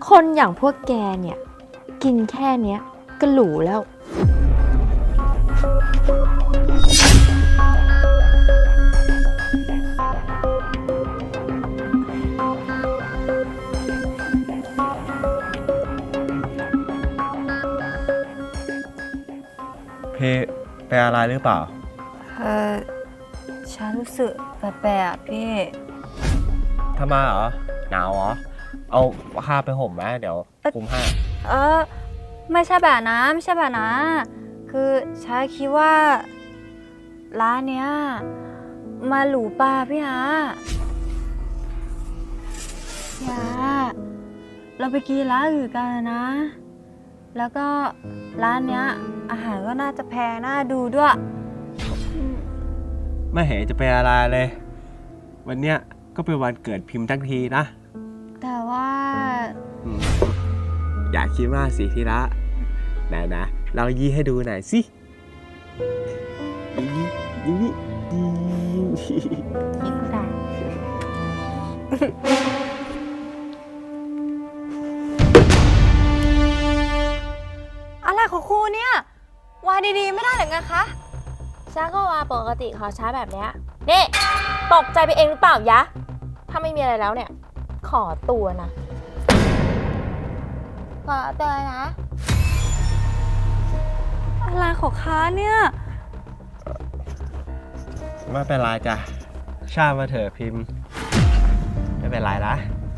คนอย่างพวกแกเนี่ยกินแค่เนี้ยก็หรูแล้วเพเป็นอะไรหรือเปล่าฉันรู้สึกแปลกๆพี่ทำไมเหรอหนาวเหรอเอาผ้าไปห่มไหมเดี๋ยวคลุมให้ไม่ใช่แบบนั้นไม่ใช่แบบนั้นคือฉันคิดว่าร้านเนี้ยมาหรูป่ะพี่ฮะเราไปกินร้านอื่นกันนะ แล้วก็ร้านเนี้ยอาหารก็น่าจะแพงน่าดูด้วยไม่เห็นจะเป็นอะไรเลยวันเนี้ยก็เป็นวันเกิดพิมพ์ทั้งทีนะแต่ว่าอยากคิดมากสิที่ละไหนนะเรายี่ให้ดูหน่อยสิยิ้มนี่ยิ้มค่ะอะไรของครูเนี่ยวาดีๆไม่ได้หรือไงคะช้าก็ว่าปกติขอช้าแบบเนี้ยนี่ตกใจไปเองหรือเปล่ายะถ้าไม่มีอะไรแล้วเนี่ยขอตัวนะขอตัวนะอะไรของค้าเนี่ยไม่เป็นไรจ้ะชามาเถอะพิมพ์ไม่เป็นไรนะ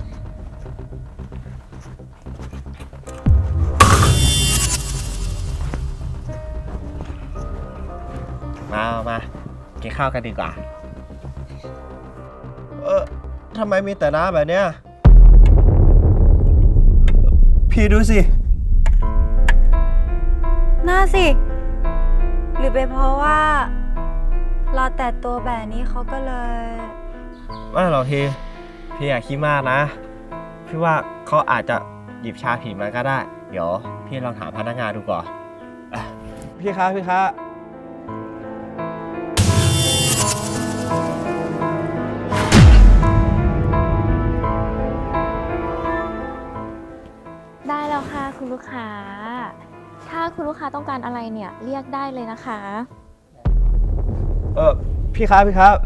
มากินข้าวกันดีกว่าทำไมมีแต่น้ำแบบเนี้ยพี่ดูสิน่าสิหรือเป็นเพราะว่าเราแต่ตัวแบบนี้เขาก็เลยไม่หรอกพี่อยากคิดมากนะพี่ว่าเขาอาจจะหยิบชาผิดมาก็ได้เดี๋ยวพี่ลองถามพนักงานดูก่อนพี่คะได้แล้วค่ะคุณลูกค้าถ้าคุณลูกค้าต้องการอะไรเนี่ยเรียกได้เลยนะคะพี่ครับ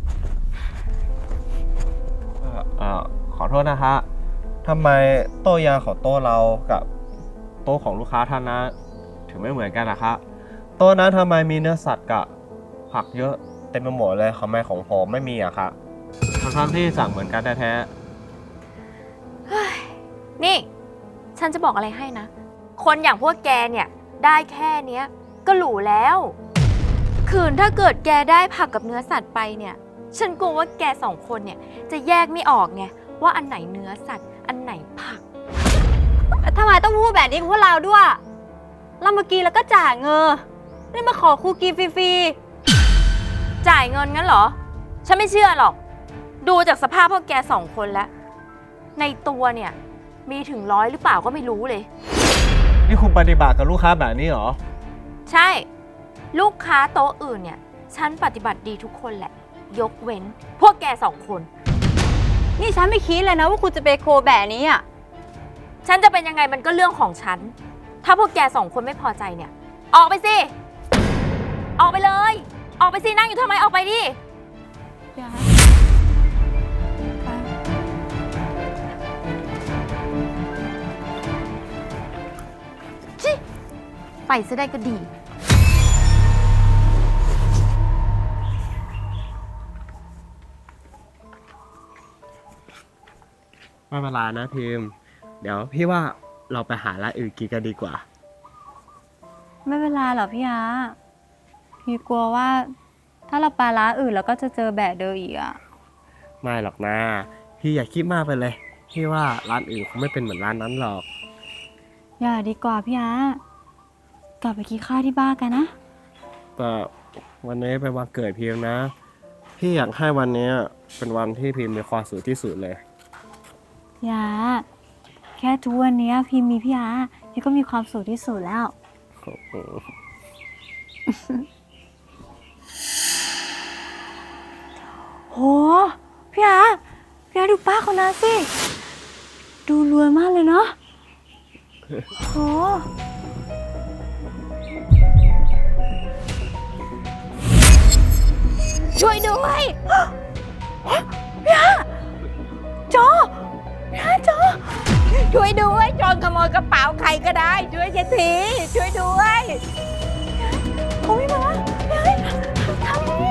ขอโทษนะฮะทำไมโต๊ะยาของโต๊ะเรากับโต๊ะของลูกค้าท่านนะถึงไม่เหมือนกันนะครับโต๊ะนั้นทำไมมีเนื้อสัตว์กับผักเยอะเต็มไปหมดเลยทำไมของผมไม่มีอะครับทั้งที่สั่งเหมือนกันแท้ๆนี่ฉันจะบอกอะไรให้นะคนอย่างพวกแกเนี่ยได้แค่เนี้ยก็หรูแล้วคืนถ้าเกิดแกได้ผักกับเนื้อสัตว์ไปเนี่ยฉันกลัวว่าแกสองคนเนี่ยจะแยกไม่ออกไงว่าอันไหนเนื้อสัตว์อันไหนผักทำไมต้องพูดแบบนี้กับพวกเราด้วยเราเมื่อกี้แล้วก็จ่ายเงินนี่มาขอครูกินฟรีๆจ่ายเงินงั้นเหรอฉันไม่เชื่อหรอกดูจากสภาพพวกแกสองคนแล้วในตัวเนี่ยมีถึง100หรือเปล่าก็ไม่รู้เลยนี่คุณปฏิบัติกับลูกค้าแบบนี้เหรอใช่ลูกค้าโต๊ะอื่นเนี่ยฉันปฏิบัติดีทุกคนแหละยกเว้นพวกแกสองคนนี่ฉันไม่คิดเลยนะว่าคุณจะไปโคแบบนี้อ่ะฉันจะเป็นยังไงมันก็เรื่องของฉันถ้าพวกแกสองคนไม่พอใจเนี่ยออกไปสิออกไปเลยออกไปสินั่งอยู่ทำไมออกไปดิไปซะได้ก็ดีไม่เป็นไรนะพิมพ์เดี๋ยวพี่ว่าเราไปหาร้านอื่นกินกันดีกว่าไม่เป็นไรหรอกพี่ฮะพี่กลัวว่าถ้าเราไปร้านอื่นเราก็จะเจอแบบเดิมอีกอ่ะไม่หรอกนะพี่อย่าคิดมากไปเลยพี่ว่าร้านอื่นคงไม่เป็นเหมือนร้านนั้นหรอกอย่าดีกว่าพี่ฮะกลับไปกินข้าวที่บ้านกันนะแต่วันนี้เป็นวันเกิดพิมพ์นะพี่อยากให้วันนี้เป็นวันที่พิมพ์มีความสุขที่สุดเลยอย่าแค่ทุกวันนี้พิมมีพี่อาพี่ก็มีความสุขที่สุดแล้วโหพี่อาดูป้าคนนั้นสิดูรวยมากเลยเนาะโหช่วยด้วยจอพี่อาจอช่วยด้วยโจรขโมยกระเป๋าใครก็ได้ ช่วยฉันทีช่วยด้วยเขาไม่มาพี่อาทำยังไง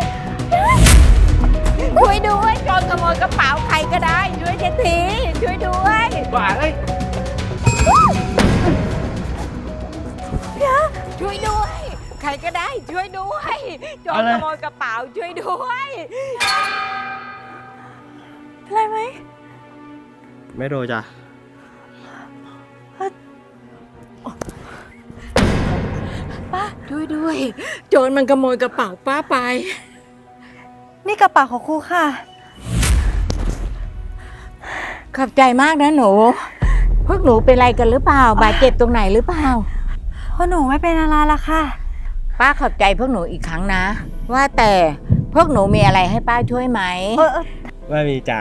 ช่วยด้วยโจรขโมยกระเป๋าใครก็ได้ ช่วยฉันทีช่วยด้วยบ้าเอ้ยช่วยด้วย ใครก็ได้ช่วยด้วยโจรขโมยกระเป๋าช่วยด้วยเป็นไรไหมไม่โดนจ้ะช่วยด้วย โจรมันขโมยกระเป๋าป้าไปนี่กระเป๋าของครูค่ะขอบใจมากนะหนู พวกหนูเป็นอะไรกันหรือเปล่า บาดเจ็บตรงไหนหรือเปล่าเพราะหนูไม่เป็นอะไรละค่ะป้าขอบใจพวกหนูอีกครั้งนะ ว่าแต่พวกหนูมีอะไรให้ป้าช่วยไหมไม่มีจ้ะ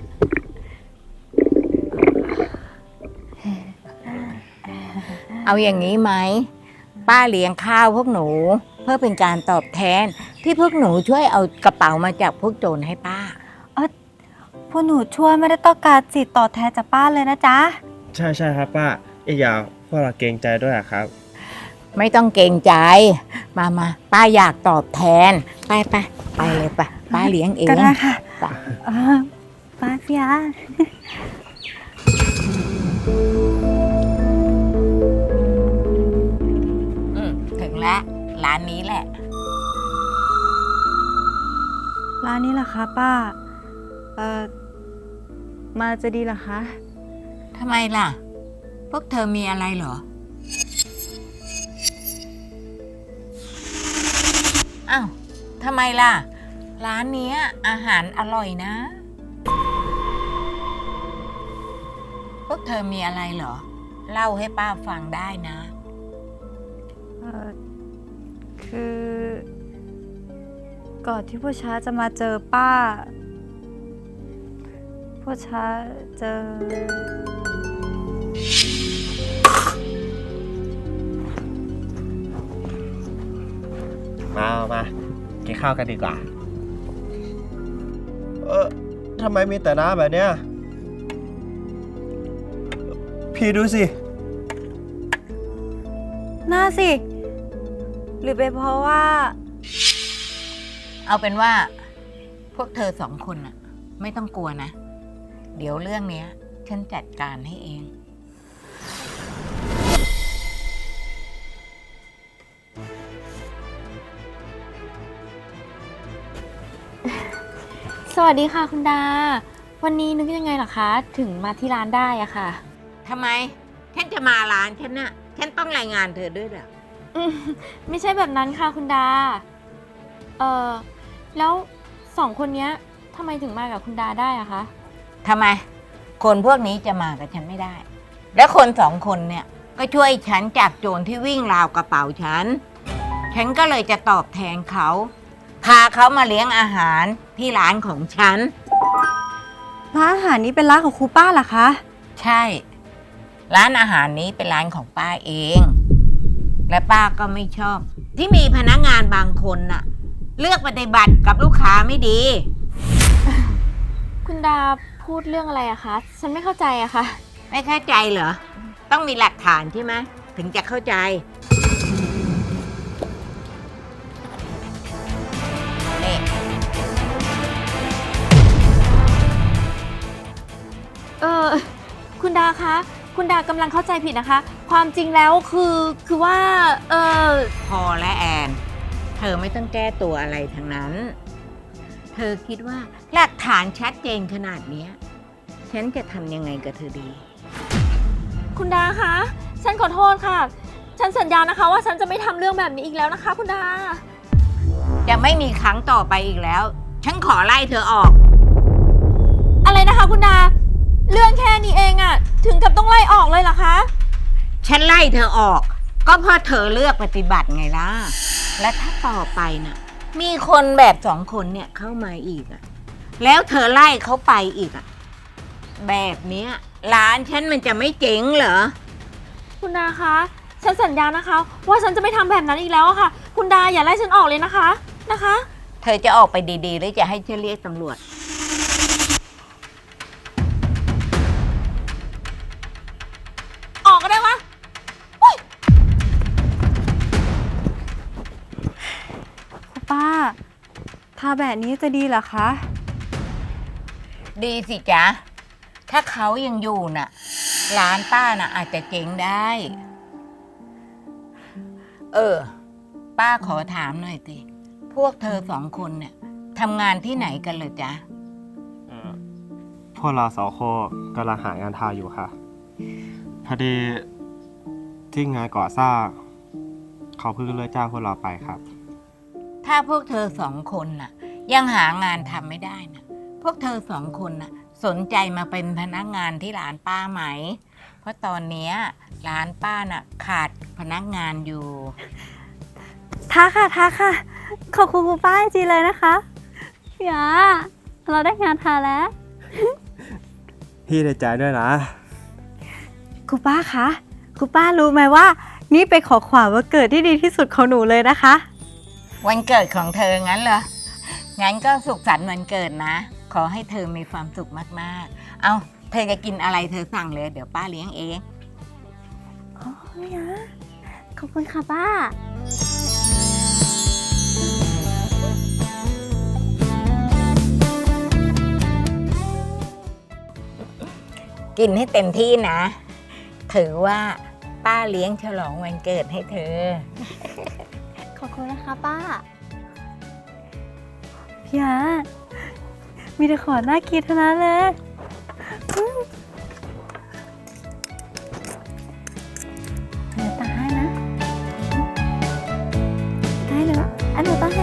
เอาอย่างนี้ไหม ป้าเลี้ยงข้าวพวกหนู เพื่อเป็นการตอบแทน ที่พวกหนูช่วยเอากระเป๋ามาจากพวกโจรให้ป้าพวกหนูช่วยไม่ได้ต้องการสิทธิ์ตอบแทนจากป้าเลยนะจ๊ะใช่ใช่ครับป้าอีกอย่างพวกเราเกรงใจด้วยอะครับไม่ต้องเกรงใจ มาป้าอยากตอบแทน ไปเลยไปป้าเลี้ยงเองก็ได้ค่ะไปป้าพี่อาถึงแล้วร้านนี้แหละร้านนี้เหรอคะป้า มาจะดีเหรอคะทำไมล่ะ พวกเธอมีอะไรเหรอ อ้าว ทำไมล่ะ ร้านเนี้ยอาหารอร่อยนะ พวกเธอมีอะไรเหรอ เล่าให้ป้าฟังได้นะคือ ก่อนที่ผู้ช้าจะมาเจอป้า ผู้ช้าเจอมากินข้าวกันดีกว่า ทำไมมีแต่น้ำแบบเนี้ย พี่ดูสิน่าสิ หรือเป็นเพราะว่าเอาเป็นว่า พวกเธอสองคนน่ะ ไม่ต้องกลัวนะ เดี๋ยวเรื่องเนี้ย ฉันจัดการให้เองสวัสดีค่ะคุณดา วันนี้นึกยังไงล่ะคะ ถึงมาที่ร้านได้อะค่ะทำไม ฉันจะมาร้านฉันน่ะ ฉันต้องรายงานเธอด้วยเหรอไม่ใช่แบบนั้นค่ะคุณดา แล้วสองคนเนี้ยทำไมถึงมากับคุณดาได้อะคะทำไม คนพวกนี้จะมากับฉันไม่ได้ และคนสองคนเนี่ย ก็ช่วยฉันจากโจรที่วิ่งราวกระเป๋าฉัน ฉันก็เลยจะตอบแทนเขา พาเขามาเลี้ยงอาหารที่ร้านของฉันร้านอาหารนี้เป็นร้านของครูป้าเหรอคะใช่ ร้านอาหารนี้เป็นร้านของป้าเอง และป้าก็ไม่ชอบ ที่มีพนักงานบางคนน่ะ เลือกปฏิบัติกับลูกค้าไม่ดีคุณดาพูดเรื่องอะไรอะคะ ฉันไม่เข้าใจอะค่ะไม่เข้าใจเหรอ ต้องมีหลักฐานใช่ไหมถึงจะเข้าใจ นี่คุณดาคะ คุณดากำลังเข้าใจผิดนะคะ ความจริงแล้วคือว่าพอและแอน เธอไม่ต้องแก้ตัวอะไรทั้งนั้น เธอคิดว่าหลักฐานชัดเจนขนาดเนี้ย ฉันจะทำยังไงกับเธอดีคุณดาคะ ฉันขอโทษค่ะ ฉันสัญญานะคะว่าฉันจะไม่ทำเรื่องแบบนี้อีกแล้วนะคะ คุณดาจะไม่มีครั้งต่อไปอีกแล้ว ฉันขอไล่เธอออกอะไรนะคะคุณดา เรื่องแค่นี้เองอะถึงกับต้องไล่ออกเลยเหรอคะฉันไล่เธอออก ก็เพราะเธอเลือกปฏิบัติไงล่ะ และถ้าต่อไปน่ะ มีคนแบบสองคนเนี่ยเข้ามาอีกอะแล้วเธอไล่เขาไปอีกอะแบบเนี้ยร้านฉันมันจะไม่เจ๊งเหรอคุณดาคะ ฉันสัญญานะคะ ว่าฉันจะไม่ทำแบบนั้นอีกแล้วอะค่ะ คุณดาอย่าไล่ฉันออกเลยนะคะ นะคะเธอจะออกไปดีๆ หรือจะให้ฉันเรียกตำรวจออกก็ได้วะคุณป้าทาแบบนี้จะดีเหรอคะดีสิจ๊ะ ถ้าเขายังอยู่น่ะ ร้านป้าน่ะอาจจะเจ๊งได้ ป้าขอถามหน่อยสิ พวกเธอสองคนเนี่ยทำงานที่ไหนกันเลยจ๊ะพวกเราสองคนกำลังหางานทำอยู่ค่ะ พอดีที่งานก่อสร้างเขาเพิ่งเลิกจ้างพวกเราไปครับถ้าพวกเธอสองคนน่ะ ยังหางานทำไม่ได้นะพวกเธอสองคนน่ะ สนใจมาเป็นพนักงานที่ร้านป้าไหม เพราะตอนเนี้ยร้านป้าน่ะขาดพนักงานอยู่ท้าค่ะ ขอบคุณคุณป้าจริงๆเลยนะคะอย่าเราได้งานทาแล้วพี่ได้ใจด้วยนะคุณป้าคะคุณป้ารู้ไหมว่า นี่เป็นของขวัญวันเกิดที่ดีที่สุดของหนูเลยนะคะวันเกิดของเธองั้นเหรอ งั้นก็สุขสันต์วันเกิดนะ ขอให้เธอมีความสุขมากๆ เอาเธอจะกินอะไรเธอสั่งเลย เดี๋ยวป้าเลี้ยงเองอ๋ออย่าขอบคุณค่ะป้ากินให้เต็มที่นะ ถือว่าป้าเลี้ยงฉลองวันเกิดให้เธอขอบคุณนะคะป้า พี่อาร์ตมีแต่ของน่ากินเท่านั้นเลยเดี๋ยวตาให้นะ ได้เลยอันหนูตาให้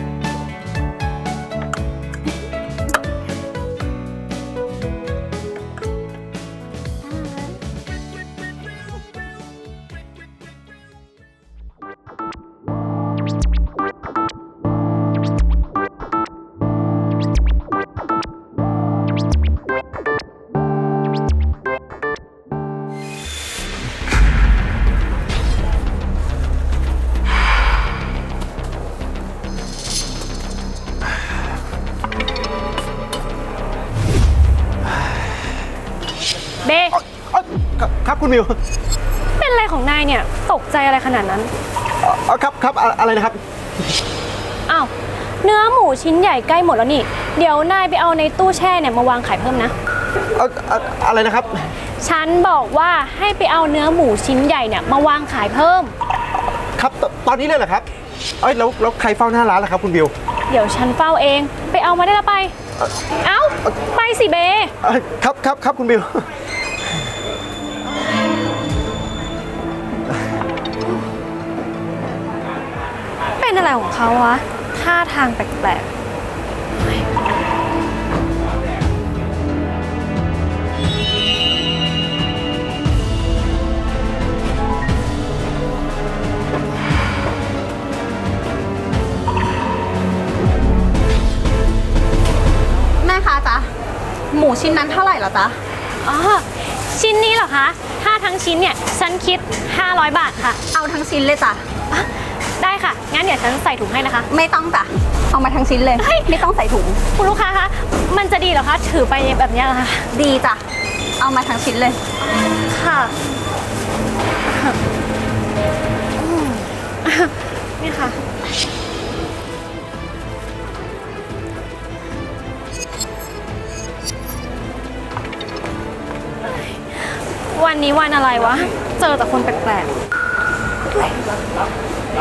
เบครับคุณมิวเป็นอะไรของนายเนี่ย ตกใจอะไรขนาดนั้นครับอะไรนะครับอ้าว เนื้อหมูชิ้นใหญ่ใกล้หมดแล้วนี่ เดี๋ยวนายไปเอาในตู้แช่เนี่ยมาวางขายเพิ่มนะอะไรนะครับฉันบอกว่าให้ไปเอาเนื้อหมูชิ้นใหญ่เนี่ยมาวางขายเพิ่มครับตอนนี้เลยเหรอครับแล้วใครเฝ้าหน้าร้านล่ะครับคุณมิวเดี๋ยวฉันเฝ้าเอง ไปเอามาได้แล้วไป เอ้า ไปสิเบครับคุณมิวเป็นอะไรของเขาวะ ท่าทางแปลกๆแม่คะจ๊ะ หมูชิ้นนั้นเท่าไหร่เหรอจ๊ะอ๋อ ชิ้นนี้เหรอคะ ถ้าทั้งชิ้นเนี่ย ฉันคิด 500 บาทค่ะเอาทั้งชิ้นเลยจ้ะได้ค่ะ งั้นเดี๋ยวฉันใส่ถุงให้นะคะไม่ต้องจ้ะ เอามาทั้งชิ้นเลย ไม่ต้องใส่ถุงคุณลูกค้าคะ มันจะดีเหรอคะ ถือไปแบบเนี้ยเหรอคะดีจ้ะ เอามาทั้งชิ้นเลยค่ะ นี่ค่ะ วันนี้วันอะไรวะ เจอแต่คนแปลกๆ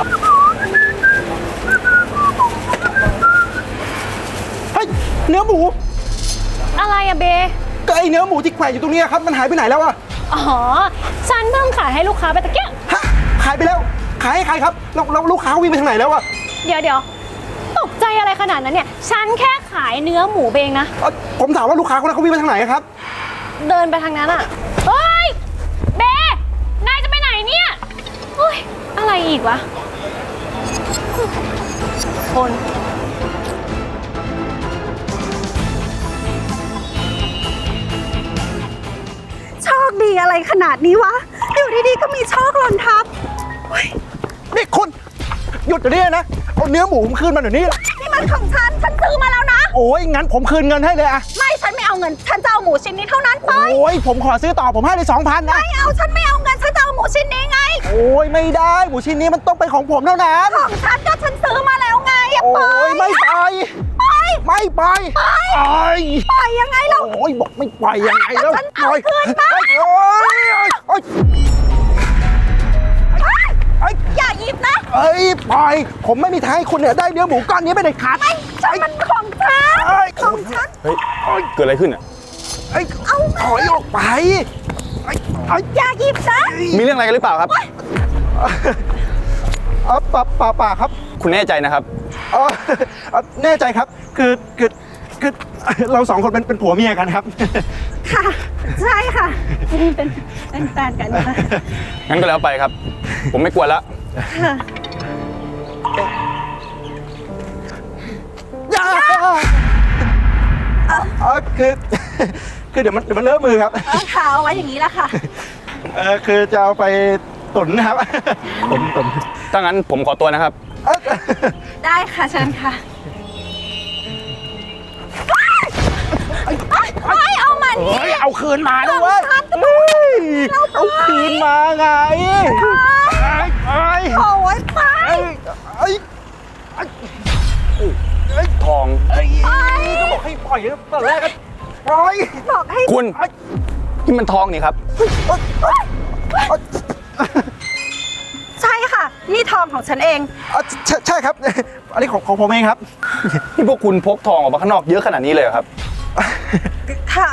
เฮ้ยเนื้อหมูอะไรอะเบก็ไอเนื้อหมูที่แขวนอยู่ตรงนี้ครับมันหายไปไหนแล้วอะอ๋อ ฉันเพิ่งขายให้ลูกค้าไปตะเกียบฮะขายไปแล้ว ขายให้ใครครับแล้วลูกค้าวิ่งไปทางไหนแล้วอะเดี๋ยวตกใจอะไรขนาดนั้นเนี่ย ฉันแค่ขายเนื้อหมูเองนะผมถามว่าลูกค้าคนนั้นเขาวิ่งไปทางไหนครับเดินไปทางนั้นอะเฮ้ย เบ นายจะไปไหนเนี่ยเฮ้ย อะไรอีกวะ คนดีอะไรขนาดนี้วะ อยู่ดีๆก็มีโชคหล่นทับนี่คุณหยุดเดี๋ยวนี้นะ เอาเนื้อหมูผมคืนมาเดี๋ยวนี้นี่มันของฉันซื้อมาแล้วนะโอ้ยงั้นผมคืนเงินให้เลยอะไม่ฉันไม่เอาเงิน ฉันจะเอาหมูชิ้นนี้เท่านั้นไปโอ้ยผมขอซื้อต่อผมให้เลย2,000นะไม่เอาฉันไม่เอาเงิน ฉันจะเอาหมูชิ้นนี้ไงโอ้ยไม่ได้หมูชิ้นนี้มันต้องเป็นของผมเท่านั้นของฉันก็ฉันซื้อมาแล้วไงอย่าโอ้ปล่อยยไม่ไปไม่ไปไปปล่อยยังไงเราโอ้ยบอกไม่ไปยังไงแล้วฉันเอาคืนมาโอ้ยอย่าหยิบนะเอ้ยปล่อยผมไม่มีทางให้คุณเนี่ยได้เนื้อหมูก้อนนี้ไม่ได้ขาดฉันมันของฉันเอ้ยของฉันเฮ้ยเกิดอะไรขึ้นอ่ะเอ้ยถอยออกไปเอ้ยอย่าหยิบนะมีเรื่องอะไรกันหรือเปล่าครับป่าครับคุณแน่ใจนะครับแน่ใจครับคือเรา2 คนเป็นผัวเมียกันครับค่ะ ใช่ค่ะเป็นแฟนกันค่ะงั้นก็แล้วไปครับ ผมไม่กลัวแล้วอย่าคือเดี๋ยวมันเลอะมือครับค่ะเอาไว้อย่างนี้ละค่ะคือจะเอาไปตุ๋นนะครับ ตุ๋นถ้างั้นผมขอตัวนะครับได้ค่ะเชิญค่ะไม่เอามันเฮ้ยเอาคืนมาด้วยเว้ยเอาคืนมาไงไอ้โอ้ยไปไอ้ทองก็บอกให้ปล่อยตอนแรกก็ปล่อยบอกให้คุณนี่มันทองนี่ครับใช่ค่ะ นี่ทองของฉันเองใช่ครับ อันนี้ของผมเองครับนี่พวกคุณพกทองออกมาข้างนอกเยอะขนาดนี้เลยเหรอครับค่ะ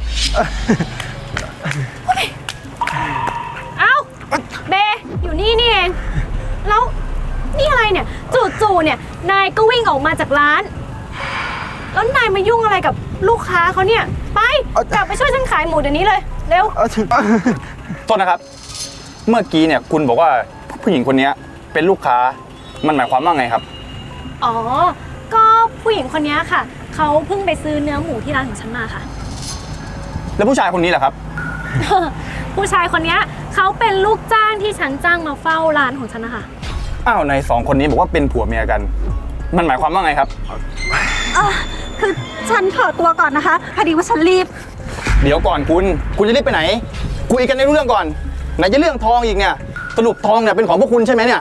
เอ้าเบอยู่นี่นี่เอง แล้วนี่อะไรเนี่ยจู่ๆเนี่ยนายก็วิ่งออกมาจากร้าน แล้วนายมายุ่งอะไรกับลูกค้าเขาเนี่ย ไปกลับไปช่วยฉันขายหมูเดี๋ยวนี้เลยเร็วโทษนะครับ เมื่อกี้เนี่ยคุณบอกว่าผู้หญิงคนนี้เป็นลูกค้า มันหมายความว่าไงครับอ๋อ ก็ผู้หญิงคนนี้ค่ะเขาเพิ่งไปซื้อเนื้อหมูที่ร้านของฉันมาค่ะแล้วผู้ชายคนนี้ล่ะครับผู้ชายคนนี้เขาเป็นลูกจ้างที่ฉันจ้างมาเฝ้าร้านของฉันนะคะอ้าวใน2 คนนี้บอกว่าเป็นผัวเมียกัน มันหมายความว่าไงครับคือฉันขอตัวก่อนนะคะ พอดีว่าฉันรีบเดี๋ยวก่อนคุณจะรีบไปไหน คุยกันในเรื่องก่อน ไหนจะเรื่องทองอีกเนี่ย สรุปทองเนี่ยเป็นของพวกคุณใช่ไหมเนี่ย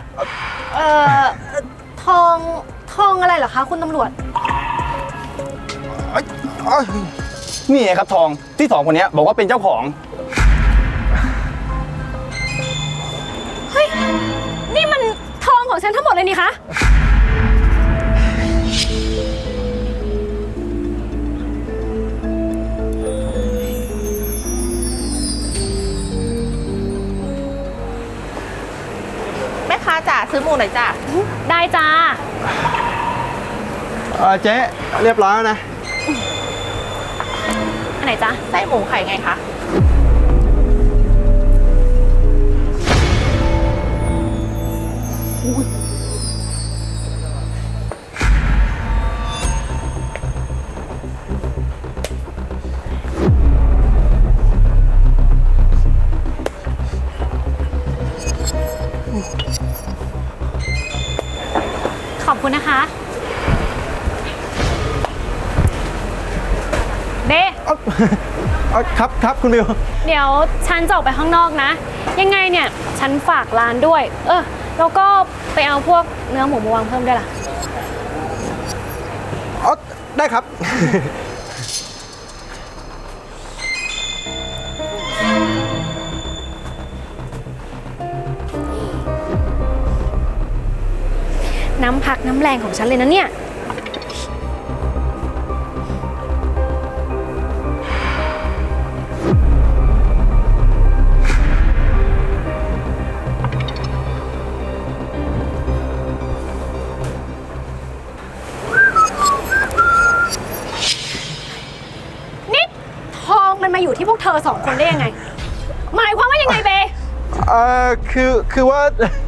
ทองอะไรเหรอคะคุณตำรวจนี่ไงครับทองที่2 คนนี้บอกว่าเป็นเจ้าของเฮ้ย นี่มันทองของฉันทั้งหมดเลยนี่คะแม่ค้าจ๋าซื้อหมูหน่อยจ้ะได้จ้าเจ๊เรียบร้อยแล้วนะอันไหนจ้าไส้หมูไข่ไงคะขอบคุณนะคะ เบครับคุณบิวเดี๋ยวฉันจะออกไปข้างนอกนะ ยังไงเนี่ย ฉันฝากร้านด้วย แล้วก็ไปเอาพวกเนื้อหมูมาวางเพิ่มด้วยล่ะได้ครับน้ำพักน้ำแรงของฉันเลยนะเนี่ย นี่ทองมันมาอยู่ที่พวกเธอ2 คนได้ยังไง หมายความว่ายังไงเบคือว่า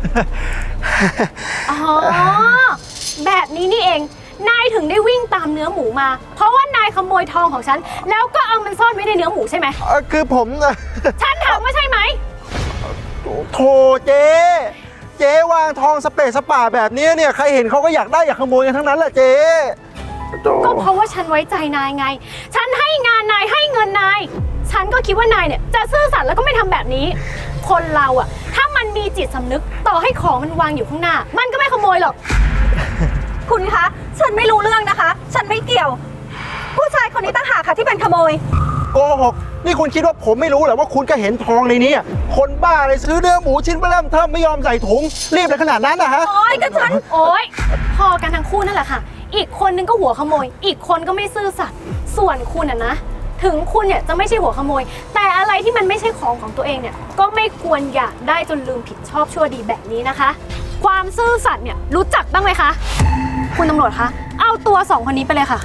อ๋อ แบบนี้นี่เอง นายถึงได้วิ่งตามเนื้อหมูมา เพราะว่านายขโมยทองของฉัน แล้วก็เอามันซ่อนไว้ในเนื้อหมูใช่ไหมคือผมฉันทำว่าใช่ไหมโถเจ๊วางทองสเปะสป่าแบบนี้เนี่ยใครเห็นเขาก็อยากได้อยากขโมยกันทั้งนั้นแหละเจ๊โถก็เพราะว่าฉันไว้ใจนายไง ฉันให้งานนายให้เงินนาย ฉันก็คิดว่านายเนี่ยจะซื่อสัตย์แล้วก็ไม่ทำแบบนี้ คนเราอะถ้ามันมีจิตสำนึกต่อให้ของมันวางอยู่ข้างหน้า มันก็ไม่ขโมยหรอกคุณคะ ฉันไม่รู้เรื่องนะคะ ฉันไม่เกี่ยว ผู้ชายคนนี้ต่างหากค่ะที่เป็นขโมยโกหกนี่คุณคิดว่าผมไม่รู้เหรอว่าคุณก็เห็นทองในนี้คนบ้าเลยซื้อเนื้อหมูชิ้นเริ่มเทิมไม่ยอมใส่ถุงรีบเลยขนาดนั้นนะฮะโอ๊ยก็ฉันโอ๊ย พอกันทั้งคู่นั่นแหละค่ะ อีกคนนึงก็หัวขโมย อีกคนก็ไม่ซื่อสัตย์ ส่วนคุณอะนะ ถึงคุณเนี่ยจะไม่ใช่หัวขโมย แต่อะไรที่มันไม่ใช่ของตัวเองเนี่ย ก็ไม่ควรอยากได้จนลืมผิดชอบชั่วดีแบบนี้นะคะ ความซื่อสัตย์เนี่ยรู้จักบ้างไหมคะ คุณตำรวจคะ เอาตัวสองคนนี้ไปเลยค่ะ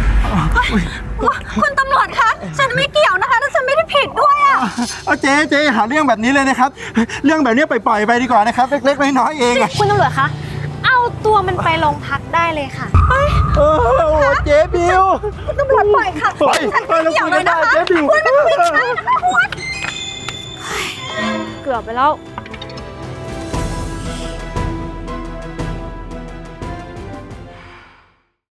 คุณตำรวจคะ ฉันไม่เกี่ยวนะคะและฉันไม่ได้ผิดด้วยอะเอาเจ๊หาเรื่องแบบนี้เลยนะครับ เรื่องแบบนี้ปล่อยไปดีกว่านะครับ เล็กๆน้อยๆเองอะคุณตำรวจคะ เอาตัวมันไปโรงพักได้เลยค่ะโอ้โหเจ๊บิวคุณตำรวจปล่อยค่ะปล่อยฉันไม่เกี่ยวเลยนะคะเจ๊บิวคุณไม่ต้องผิดฉันนะคะคุณเกือบไปแล้ว